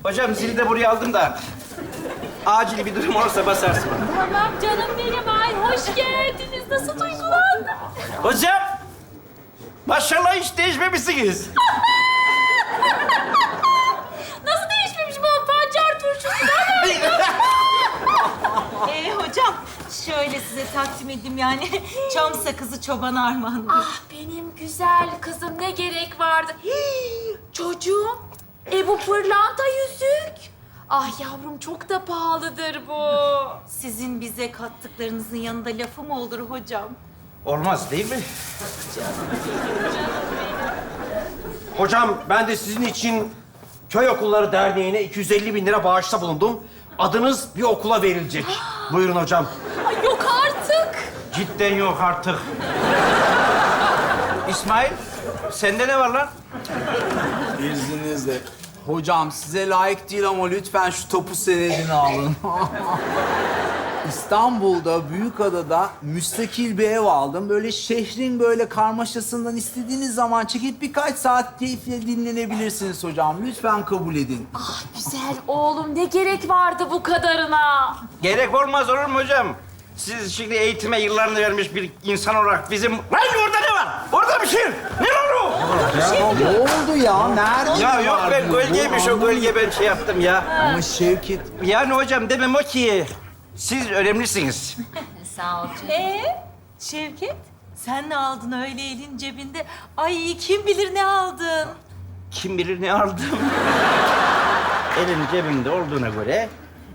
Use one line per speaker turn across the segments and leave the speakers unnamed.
Hocam zili de buraya aldım da acil bir durum olursa basarsın.
Tamam canım benim. Ay hoş geldiniz. Nasıl duygulandın?
Hocam maşallah hiç değişmemişsiniz.
Nasıl değişmemiş bu pancar turşusu?
Hocam şöyle size takdim edeyim yani çam sakızı çoban armağanı.
Ah benim güzel kızım ne gerek vardı? Hii, çocuğum. Bu pırlanta yüzük. Ah yavrum çok da pahalıdır bu.
Sizin bize kattıklarınızın yanında lafı mı olur hocam?
Olmaz değil mi?
Hocam ben de sizin için Köy Okulları Derneği'ne 250 bin lira bağışta bulundum. Adınız bir okula verilecek. Buyurun hocam.
Ay yok artık.
Cidden yok artık. İsmail, sende ne var lan?
İzninizle. Hocam size layık değil ama lütfen şu topu senedini alın. İstanbul'da, Büyükada'da müstakil bir ev aldım. Böyle şehrin böyle karmaşasından istediğiniz zaman çekip birkaç saat keyifle dinlenebilirsiniz hocam. Lütfen kabul edin.
Ah güzel oğlum ne gerek vardı bu kadarına?
Gerek olmaz olur mu hocam? Siz şimdi eğitime yıllarını vermiş bir insan olarak bizim... Lan orada ne var? Orada bir şey. Ne var o?
Ne oldu ya? Nerede?
Ya yok
var
ben
bu?
gölgeymiş o gölge ben şey yaptım ya.
Ama Şevket...
Yani hocam demem o ki siz önemlisiniz.
Sağ ol canım. Şevket sen ne aldın öyle elin cebinde? Ay kim bilir ne aldın?
Kim bilir ne aldım. Elin cebimde olduğuna göre...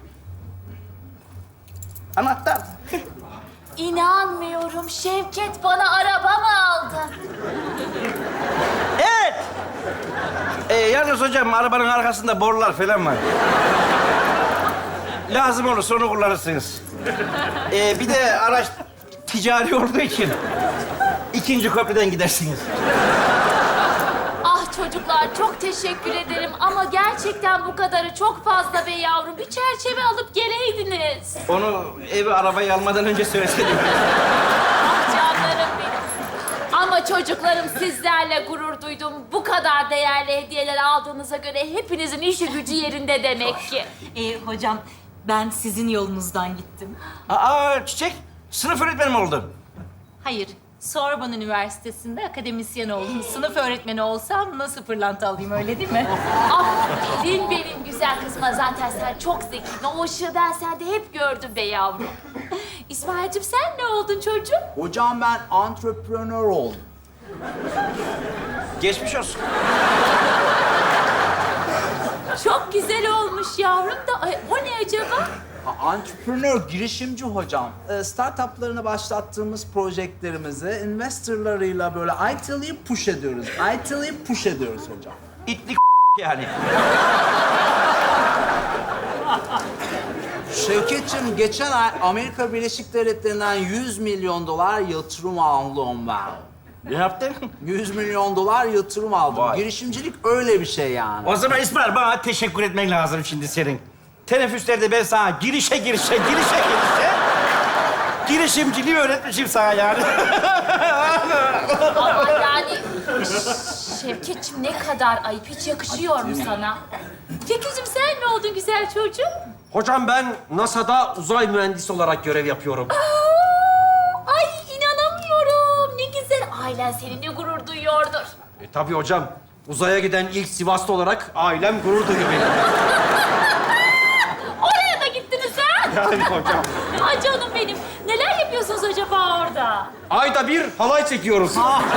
Anahtar.
İnanmıyorum Şevket bana araba mı aldı?
Evet. Yalnız hocam arabanın arkasında borular falan var. Lazım olursa onu kullanırsınız. Bir de araç ticari olduğu için ikinci köprüden gidersiniz.
Ah çocuklar çok teşekkür ederim ama gerçekten bu kadarı çok fazla be yavrum. Bir çerçeve alıp geleydiniz.
Onu evi arabayı almadan önce söyleseydim.
Ah canlarım benim. Ama çocuklarım sizlerle gurur duydum. Bu kadar değerli hediyeler aldığınıza göre hepinizin işi gücü yerinde demek ki.
Hocam ben sizin yolunuzdan gittim.
Aa Çiçek, sınıf öğretmeni mi oldun?
Hayır, Sorbonne Üniversitesi'nde akademisyen oldum. Sınıf öğretmeni olsam nasıl pırlanta alayım öyle değil mi?
Aferin benim güzel kızıma. Zaten sen çok zekisin. O ışığı ben sende hep gördüm be yavrum. İsmail'cim sen ne oldun çocuğum?
Hocam ben antreprenör oldum.
Geçmiş olsun.
Çok güzel olmuş yavrum da. Ay, o ne acaba?
Entrepreneur, girişimci hocam. Startuplarını başlattığımız projektlerimizi investorlarıyla böyle IT'liyi push ediyoruz. IT'liyi push ediyoruz hocam.
İtlik yani.
Şevketciğim, geçen ay Amerika Birleşik Devletleri'nden 100 milyon dolar yatırım aldım ben.
Ne yaptın?
100 milyon dolar yatırım aldım.
Vay.
Girişimcilik öyle bir şey yani.
O zaman İsmail bana teşekkür etmen lazım şimdi senin. Teneffüslerde ben sana girişe. Girişimciliği öğretmişim sana yani.
Ama yani Şevketciğim ne kadar ayıp. Hiç yakışıyor mu sana? Fikri'cim sen ne oldun güzel çocuğum?
Hocam ben NASA'da uzay mühendisi olarak görev yapıyorum.
Ay inanamıyorum. Ne güzel. Ailen seninle gurur duyuyordur.
Tabii hocam. Uzaya giden ilk Sivaslı olarak ailem gurur duyuyor benim.
Oraya da gittiniz ha?
Yani hocam.
Ay canım benim. Neler yapıyorsunuz acaba orada?
Ayda bir halay çekiyoruz.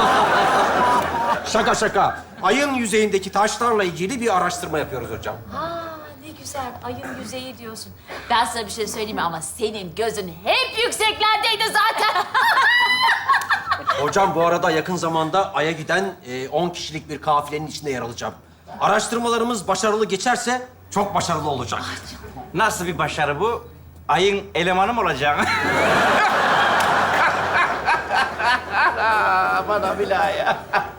Şaka. Ayın yüzeyindeki taşlarla ilgili bir araştırma yapıyoruz hocam.
Ne güzel. Ayın yüzeyi diyorsun. Ben sana bir şey söyleyeyim mi ama senin gözün hep yükseklerdeydi zaten.
Hocam bu arada yakın zamanda Ay'a giden 10 kişilik bir kafilenin içinde yer alacağım. Araştırmalarımız başarılı geçerse çok başarılı olacak.
Nasıl bir başarı bu? Ayın elemanı mı olacaksın? Bana billahi ya.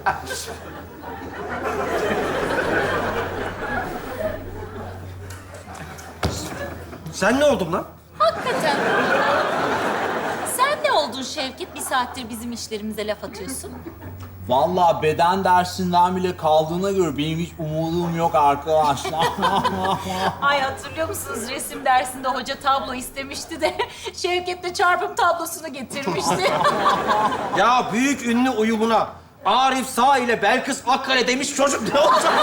Sen ne oldun lan?
Hakikaten. Sen ne oldun Şevket? Bir saattir bizim işlerimize laf atıyorsun.
Vallahi beden dersinden bile kaldığına göre benim hiç umudum yok arkadaşlar.
Ay hatırlıyor musunuz resim dersinde hoca tablo istemişti de Şevket de çarpım tablosunu getirmişti.
Ya büyük ünlü uyumuna Arif Sağ ile Belkıs Akkale demiş çocuk ne olacak?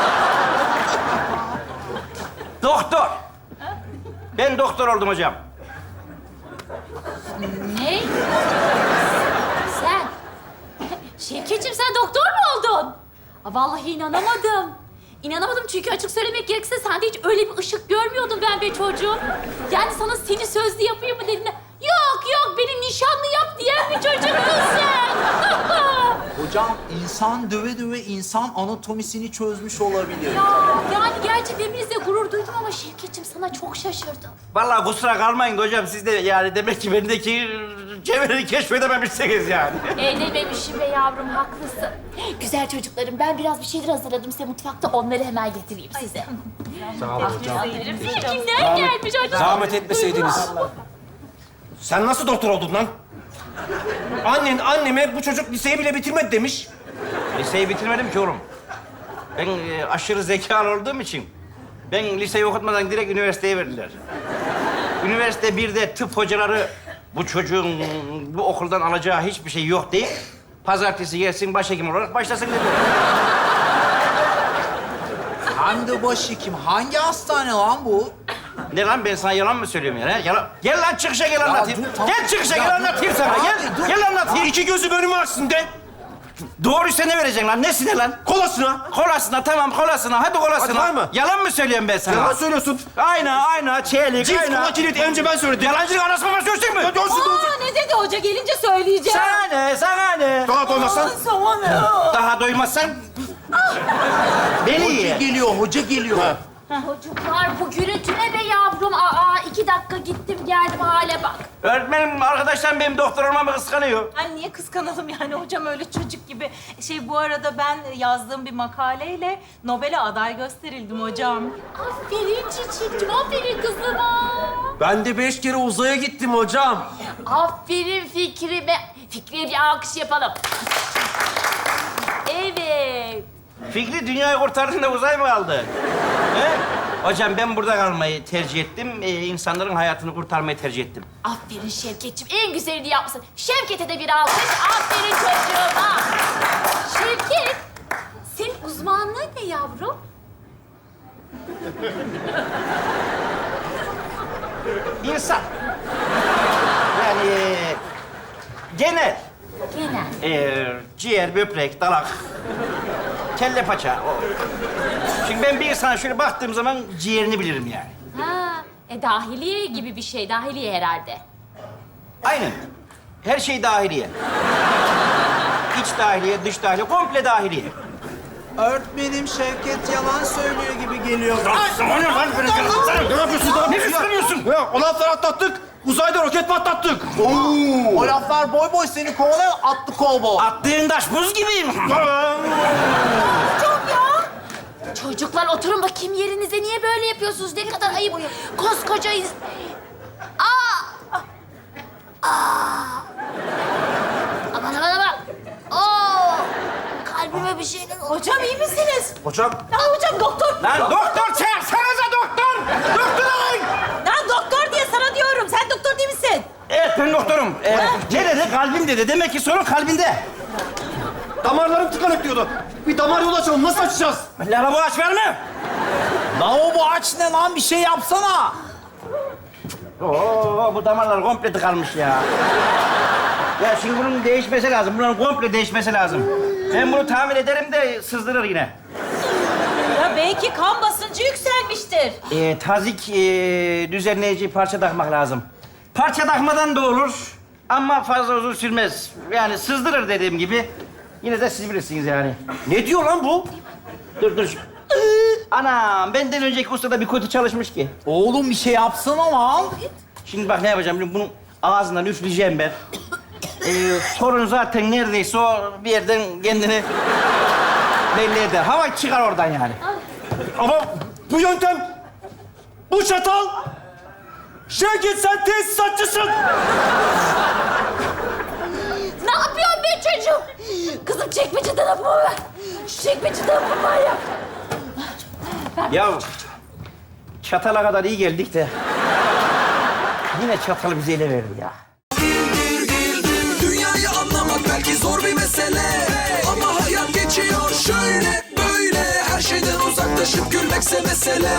Doktor. Ben doktor oldum hocam.
Ne? Sen? Şevketciğim sen doktor mu oldun? Aa, vallahi inanamadım. İnanamadım çünkü açık söylemek gerekirse sende hiç öyle bir ışık görmüyordum ben be çocuğum. Yani sana seni sözlü yapayım mı dediğinde yok beni nişanlı yap diyen bir çocuksun sen.
Hocam insan döve döve insan anatomisini çözmüş olabilir.
Yani gerçi deminizle gurur duydum ama Şevketciğim sana çok şaşırdım.
Vallahi kusura kalmayın da hocam siz de yani demek ki bendeki cevheri keşfedememişsiniz yani.
Dememişim be yavrum haklısın. Güzel çocuklarım ben biraz bir şeyler hazırladım size mutfakta onları hemen getireyim size.
Sağ olun hocam.
Kimler gelmiş hocam?
Zahmet etmeseydiniz. Sen nasıl doktor oldun lan? Annen anneme bu çocuk liseyi bile bitirmedi demiş.
Liseyi bitirmedim ki oğlum. Ben aşırı zekalı olduğum için ben liseyi okutmadan direkt üniversiteye verdiler. Üniversite 1'de tıp hocaları bu çocuğun bu okuldan alacağı hiçbir şey yok deyip pazartesi gelsin başhekim olarak başlasın dediler.
Hem de başhekim. Hangi hastane lan bu?
Ne lan ben sana yalan mı söylüyorum ya? Yalan. Gel lan çıkışa gel anlatayım.
dur, tamam.
Gel çıkışa
Ya
gel
dur,
anlatayım sana.
abi,
Gel.
dur.
Gel anlatayım.
İki gözü önüme açsın de.
Doğruysa ne vereceksin lan? Nesine lan?
Kolasına.
Kolasına tamam kolasına. Hadi kolasına.
Hadi var mı?
Yalan mı söylüyorum ben sana?
Yalan söylüyorsun.
Ayna, çelik,
Cips
ayna.
kola kilit önce ben söyledim.
Yalancılık anasını bana söylesin mi?
Aa ne dedi hoca gelince söyleyeceğim.
Sana ne?
Daha doymazsan.
Daha doymazsan... Beni
Hoca
ye.
geliyor, hoca geliyor.
Çocuklar bu gürültü ne be yavrum? 2 dakika gittim geldim hale bak.
Öğretmenim, arkadaşlarım benim doktor olmamı kıskanıyor.
Ay niye kıskanalım yani hocam öyle çocuk gibi. Bu arada ben yazdığım bir makaleyle Nobel'e aday gösterildim hocam.
Aferin çiçekçim, aferin kızıma.
Ben de 5 kere uzaya gittim hocam.
Aferin Fikri'me. Fikri'ye bir alkış yapalım. Evet.
Fikri dünyayı kurtardığında uzay mı kaldı? He? Hocam ben burada kalmayı tercih ettim. İnsanların hayatını kurtarmayı tercih ettim.
Aferin Şevketçim, en güzelini yapmışsın. Şevket'e de bir alkış. Aferin çocuğuma. Şevket, senin uzmanlığın ne yavrum?
İnsan. Yani genel.
Genel.
Ciğer, böbrek, dalak, kelle paça. Şimdi ben bir insana şöyle baktığım zaman ciğerini bilirim yani.
Dahiliye gibi bir şey. Dahiliye herhalde.
Aynen. Her şey dahiliye. İç dahiliye, dış dahiliye, komple dahiliye.
Öğretmenim Şevket yalan söylüyor gibi geliyor.
O ne lan?
Ne yapıyorsun?
Ne kıskanıyorsun?
Ya, o lafları atlattık. Uzayda roket patlattık.
O laflar boy boy seni kovalayan atlı kovboy.
Attığın taş buz gibi.
Çocuklar oturun bakayım yerinize. Niye böyle yapıyorsunuz? Ne kadar ayıp. Koskoca Aman. Kalbime bir şeyler oldu.
Hocam iyi misiniz?
Hocam.
Ya hocam doktor.
Lan doktor çağırsanıza doktor. Doktor arayın.
Lan doktor diye sana diyorum. Sen doktor değil misin?
Evet ben doktorum. Ne dedi? Kalbim dedi. Demek ki sorun kalbinde.
Damarlarım tıkanık diyordu. Bir damar yolu açalım. Nasıl açacağız?
Lavabo aç var mı?
Lavabo aç ne lan? Bir şey yapsana.
Oo, bu damarlar komple tıkanmış ya. Ya şimdi bunun değişmesi lazım. Bunun komple değişmesi lazım. Ben bunu tamir ederim de sızdırır yine.
Ya belki kan basıncı yükselmiştir.
Tazik düzenleyici parça takmak lazım. Parça takmadan da olur ama fazla uzun sürmez. Yani sızdırır dediğim gibi. Yine de siz bilirsiniz yani.
Ne diyor lan bu?
Dur. Anam, benden önceki usta da bir kötü çalışmış ki.
Oğlum bir şey yapsana lan.
Şimdi bak ne yapacağım? Bunun ağzından üfleyeceğim ben. Sorun zaten neredeyse o bir yerden kendini belli eder. Hava çıkar oradan yani.
Ama bu yöntem, bu çatal. Şevket sen tesisatçısın.
Ne yapıyorsun be çocuğum. Kızım çekmeceden hapımı ver. Şu çekmeceden hapımı var ya.
Ya çatala kadar iyi geldik de yine çatalı bize ele verdi ya.
Dünyayı anlamak belki zor bir mesele, ama hayat geçiyor şöyle böyle. Her şeyden uzaklaşıp gülmekse mesele.